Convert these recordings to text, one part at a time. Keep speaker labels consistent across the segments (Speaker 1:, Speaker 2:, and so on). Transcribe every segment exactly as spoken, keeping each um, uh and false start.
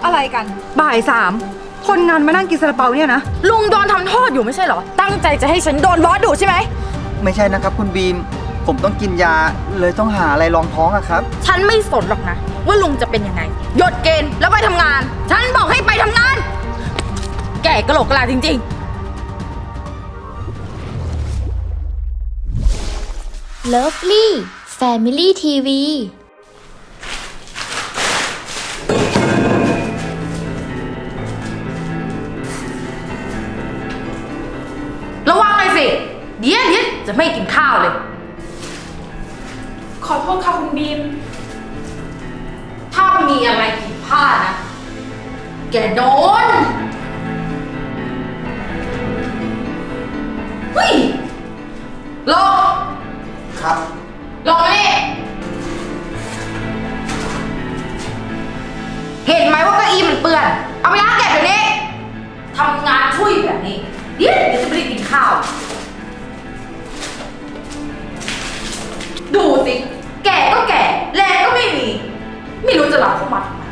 Speaker 1: อะไรกันบ่ายสามคนงานมานั่งกินซาลาเปาเนี่ยนะลุงโดนทำโทษอยู่ไม่ใช่เหรอตั้งใจจะให้ฉันโดนบอสดุใช่ไหม
Speaker 2: ไม่ใช่นะครับคุณบีมผมต้องกินยาเลยต้องหาอะไรรองท้องอะครับ
Speaker 1: ฉันไม่สนหรอกนะว่าลุงจะเป็นยังไงหยุดเกณฑ์แล้วไปทำงานฉันบอกให้ไปทำงานแก่กะโหลกกะลาจริง
Speaker 3: ๆ Lovely Family ที วี
Speaker 1: ระวังหน่อยสิเดี๋ยวเดี๋ยวจะไม่กินข้าวเลย
Speaker 4: ขอโทษค่ะคุณบีม
Speaker 1: ถ้ามีอะไรผิดพลาดนะแกโดนเฮ้ยลง
Speaker 2: ครับ
Speaker 1: ลงมานี่เห็นไหมว่าเก้าอี้มันเปื้อนเอาไปล้างแกะเดี๋ยวนี้ทำงานช่วยแบบนี้เดี๋ยวเดี๋ยวจะไม่ได้กินข้าวดูสิแก่ก็แก่แรงก็ไม่มีไม่รู้จะหลับเข้ามาทำไม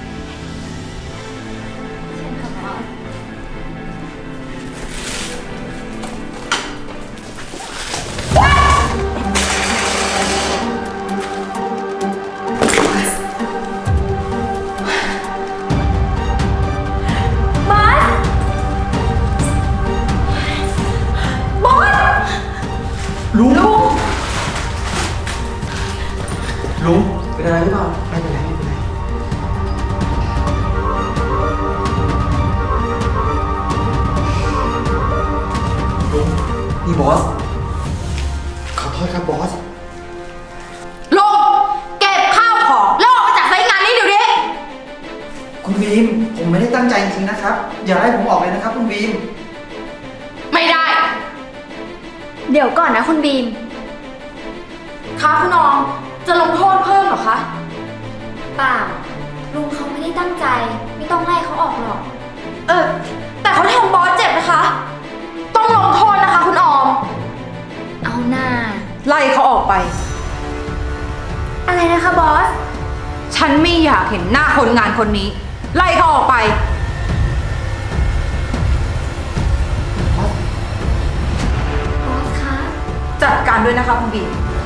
Speaker 2: ลุงลุงเป็นอะไรหรือเปล่าไม่เป็นไรไม่เป็นไรลุงนี่บอสขอโทษครับบอส
Speaker 1: ลงเก็บข้าวของแล้วออกไปจากไซต์งานนี้เดี๋ยวนี้
Speaker 2: คุณบีมผมไม่ได้ตั้งใจจริงๆนะครับอย่าไล่ผมออกเลยนะครับคุณบีม
Speaker 1: ไม่ได้
Speaker 3: เดี๋ยวก่อนนะคุณบีม
Speaker 1: คะคุณน้องจะลงโทษเพิ่มเหรอคะ
Speaker 3: เปล่าลุงเขาไม่ได้ตั้งใจไม่ต้องไล่เขาออกหรอก
Speaker 1: เออแต่เขาทำบอสเจ็บนะคะต้องลงโทษนะคะคุณออม
Speaker 3: เอาหน้า
Speaker 1: ไล่เขาออกไป
Speaker 3: อะไรนะคะบอส
Speaker 1: ฉันไม่อยากเห็นหน้าคนงานคนนี้ไล่เขาออกไป
Speaker 3: บอสคะ
Speaker 1: จัดการด้วยนะคะคุณบี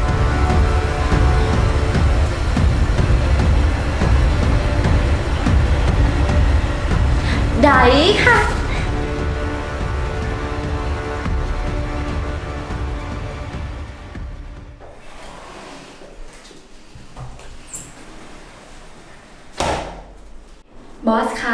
Speaker 3: ได้ค่ะบอสคะ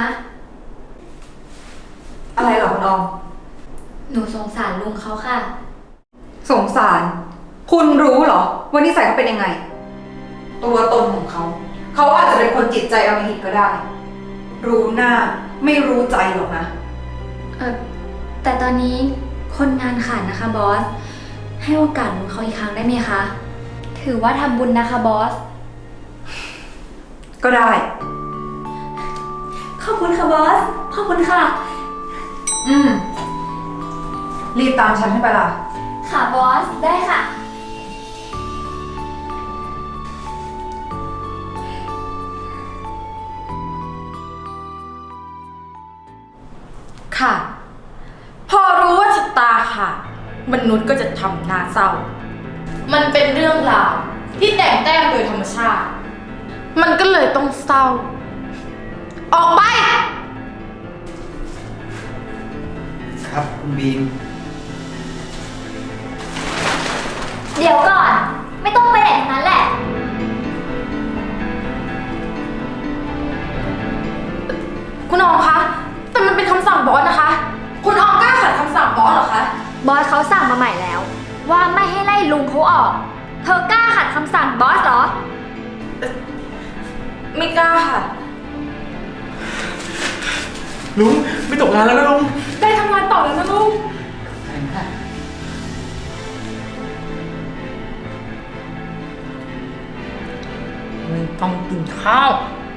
Speaker 1: อะไรเหรอคุณออม
Speaker 3: หนูสงสารลุงเขาค่ะ
Speaker 1: สงสารคุณรู้เหรอว่านิสัยเขาเป็นยังไงตัวตนของเขาเขาอาจจะเป็นคนจิตใจอมหิตก็ได้รู้หน้าไม่รู้ใจหรอกนะ
Speaker 3: เออแต่ตอนนี้คนงานขาดนะคะบอสให้โอกาสลุงเขาอีกครั้งได้ไหมคะถือว่าทำบุญนะคะบอส
Speaker 1: ก็ได้
Speaker 3: ขอบคุณค่ะบอสขอบคุณค่ะ
Speaker 1: อืมรีบตามฉันให้ไปล่ะ
Speaker 3: ค่ะบอสได้ค่ะ
Speaker 1: ค่ะพอรู้ว่าชะตาค่ะมนุษย์ก็จะทำหน้าเศร้ามันเป็นเรื่องราวที่แต่งแต้มโดยธรรมชาติมันก็เลยต้องเศร้าออกไป
Speaker 2: ครับคุณบีม
Speaker 3: เดี๋ยวก่อนไม่ต้องไปไหนทั้งนั้นแหละ
Speaker 1: คุณออมคะแต่มันเป็นคำสั่งบอสนะคะคุณออมกล้าขัดคำสั่งบอสเหรอคะ
Speaker 3: บอสเขาสั่งมาใหม่แล้วว่าไม่ให้ไล่ลุงเขาออกเธอกล้าขัดคำสั่งบอสเหรอ
Speaker 1: ไม่กล้าค่ะ
Speaker 2: ลุงไม่ตกงานแล้วนะลุง
Speaker 4: ได้ทำงานต่อแล้วนะลุง
Speaker 1: ไม่ต้องกินข้าว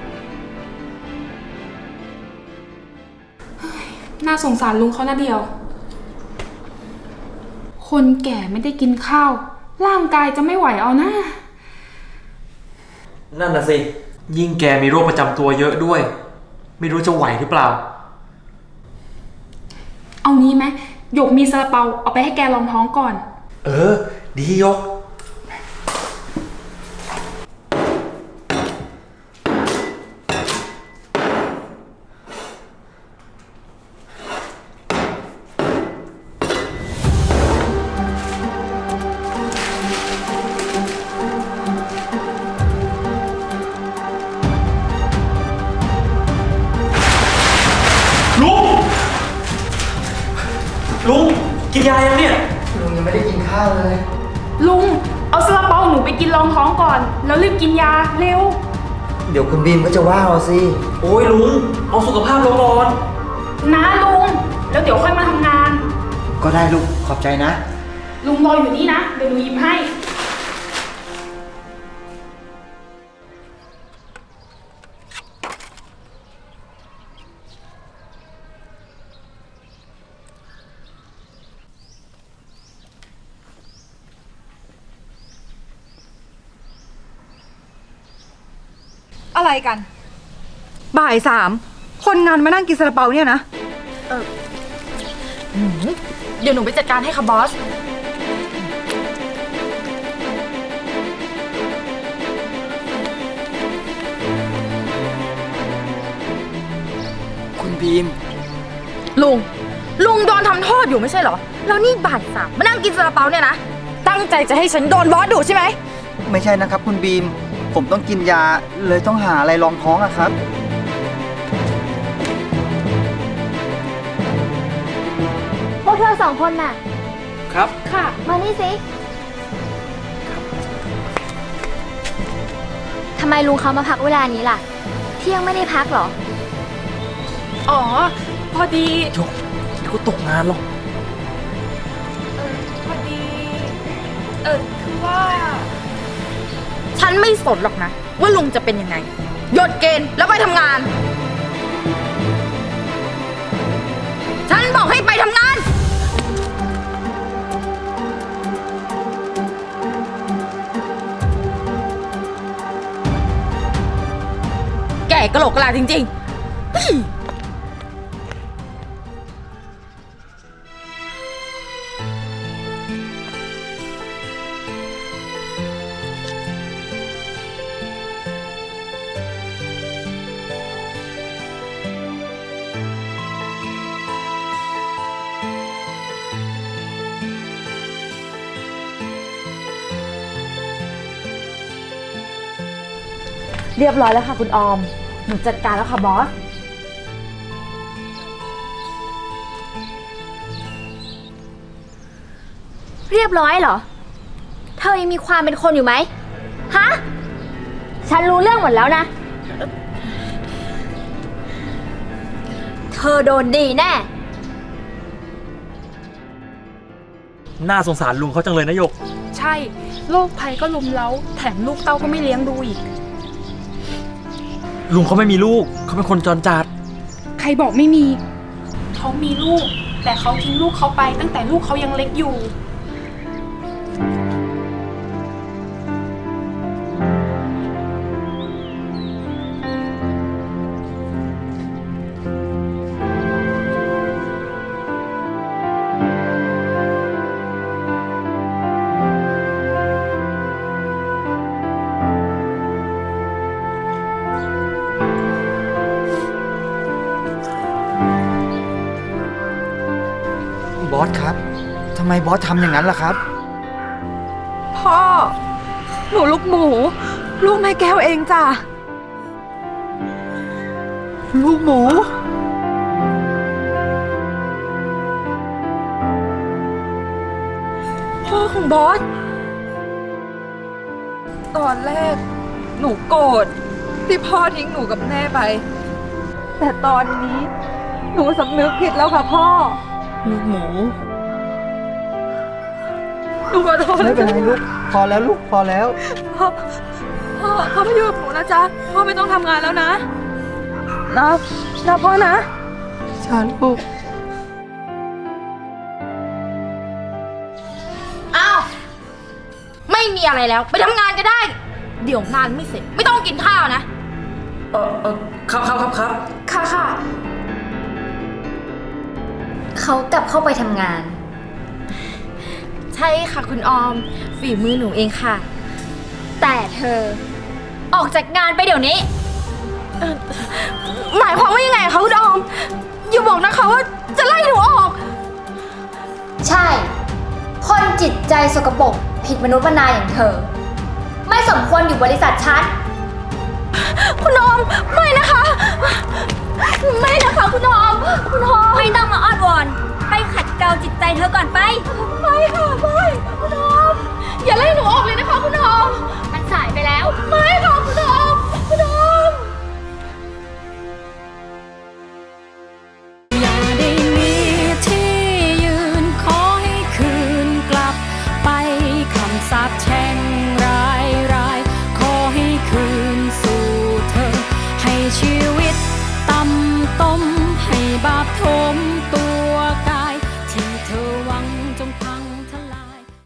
Speaker 4: น่าสงสารลุงเขานะเดียวคนแก่ไม่ได้กินข้าวร่างกายจะไม่ไหวเอานะ
Speaker 5: นั่นน่ะสิยิ่งแกมีโรคประจำตัวเยอะด้วยไม่รู้จะไหวหรือเปล่า
Speaker 4: เอานี้ไหมหยกมีซาลาเปาเอาไปให้แกลองท้องก่อน
Speaker 5: เออ ดียก ลุง ลุง กินยายังเนี่ย
Speaker 2: ลุงยังไม่ได้กินข้าวเลย
Speaker 4: ลุงเอาซาลาเปาหนูไปกินรองท้องก่อน แล้วรีบกินยาเร็ว
Speaker 2: เดี๋ยวคุณบีมก็จะว่าเราสิ
Speaker 5: โอ้ยลุง เอาสุขภาพลงก่อน
Speaker 4: นะลุงแล้วเดี๋ยวค่อยมาทำงาน
Speaker 2: ก็ได้ลูกขอบใจนะ
Speaker 4: ลุงรออยู่นี่นะเดี๋ยวหนูหยิบให้
Speaker 6: อะไรกัน บ่ายสามคนงานมานั่งกินซาลาเปาเนี่ยนะ
Speaker 1: เดี๋ยวหนูไปจัดการให้ค่ะบอส
Speaker 2: คุณบีม
Speaker 1: ลุง ลุงโดนทำโทษอยู่ไม่ใช่เหรอ แล้วนี่บ่ายสามมานั่งกินซาลาเปาเนี่ยนะ ตั้งใจจะให้ฉันโดนบอสดุใช่ไหม
Speaker 2: ไม่ใช่นะครับคุณบีม ผมต้องกินยาเลยต้องหาอะไรรองท้องอะครับ
Speaker 3: พวกเธอสองคนน่ะ
Speaker 5: ครับ
Speaker 4: ค่ะ
Speaker 3: มานี่สิ ทำไมลุงเขามาพักเวลานี้ล่ะ เที่ยงไม่ได้พักเหรอ
Speaker 4: อ๋อ พอดี
Speaker 5: ยกเดี๋ยวก็ตกงานหรอก
Speaker 4: เออพอดี เออคือว่า
Speaker 1: ฉันไม่สนหรอกนะ ว่าลุงจะเป็นยังไงหยุดเกณฑ์แล้วไปทำงาน ฉันบอกให้ไปทำงาน แก่กะโหลกกะลาจริงๆเฮ้ย เรียบร้อยแล้วค่ะคุณออม หนูจัดการแล้วค่ะบอส
Speaker 3: เรียบร้อยเหรอ เธอยังมีความเป็นคนอยู่ไหม ฮะ ฉันรู้เรื่องหมดแล้วนะ เธอโดนดีแน่
Speaker 5: น่าสงสารลุงเขาจังเลยนะหยก
Speaker 4: ใช่ โรคภัยก็ลุมเล้า แถมลูกเต้าก็ไม่เลี้ยงดูอีก
Speaker 5: ลุงเขาไม่มีลูก เขาเป็นคนจรจัด
Speaker 4: ใครบอกไม่มี เขามีลูก แต่เขาทิ้งลูกเขาไปตั้งแต่ลูกเขายังเล็กอยู่
Speaker 2: บอสครับ ทำไมบอสทำอย่างนั้นล่ะครับ
Speaker 6: พ่อ หนูลูกหมู ลูกแม่แก้วเองจ้ะ
Speaker 2: ลูกหมู
Speaker 6: พ่อของบอส ตอนแรก หนูโกรธที่พ่อทิ้งหนูกับแม่ไป แต่ตอนนี้ หนูสำนึกผิดแล้วค่ะพ่อ
Speaker 2: ลูกหมู
Speaker 6: หนูขอโทษ
Speaker 2: ไม่
Speaker 6: นะ
Speaker 2: เป็นไรลูก พอแล้วลูก พอแล้ว
Speaker 6: พ่อ พ่อพ่อมาอยู่กับหนูนะจ๊ะ พ่อไม่ต้องทำงานแล้วนะ นะนะพ่อนะ
Speaker 2: ชาลูก
Speaker 1: อ้าว ไม่มีอะไรแล้ว ไปทำงานก็ได้ เดี๋ยวงานไม่เสร็จ ไม่ต้องกินข้าวนะ
Speaker 5: เออเออครับครับครับครับ
Speaker 6: ค่ะ
Speaker 1: ค่ะค่ะ
Speaker 3: เขากลับเข้าไปทำงาน
Speaker 1: ใช่ค่ะคุณออม ฝีมือหนูเองค่ะ
Speaker 3: แต่เธอ ออกจากงานไปเดี๋ยวนี้
Speaker 1: หมายความว่ายังไงคะคุณออม อย่าบอกนะคะว่าจะไล่หนูออก
Speaker 3: ใช่ คนจิตใจสกปรกผิดมนุษย์มนาอย่างเธอ ไม่สมควรอยู่บริษัทฉัน
Speaker 1: คุณออม ไม่นะคะ ไม่นะคะคุณออม คุณออม
Speaker 3: ไม่ต้องมาอ้อนวอน ไปขัดเกลาจิตใจเธอก่อนไป
Speaker 1: ไม่ค่ะไม่คุณออม อย่าไล่หนูออกเลยนะคะคุณออม
Speaker 3: มันสายไปแล้ว
Speaker 1: ไม่ค่ะคุณออม คุณออม
Speaker 7: อย่าได้มีที่ยืนขอให้คืนกลับไปคำสาปแช่งร้ายร้ายขอให้คืนสู่เธอ ให้ชีวิตต่ำต้มให้บาปโท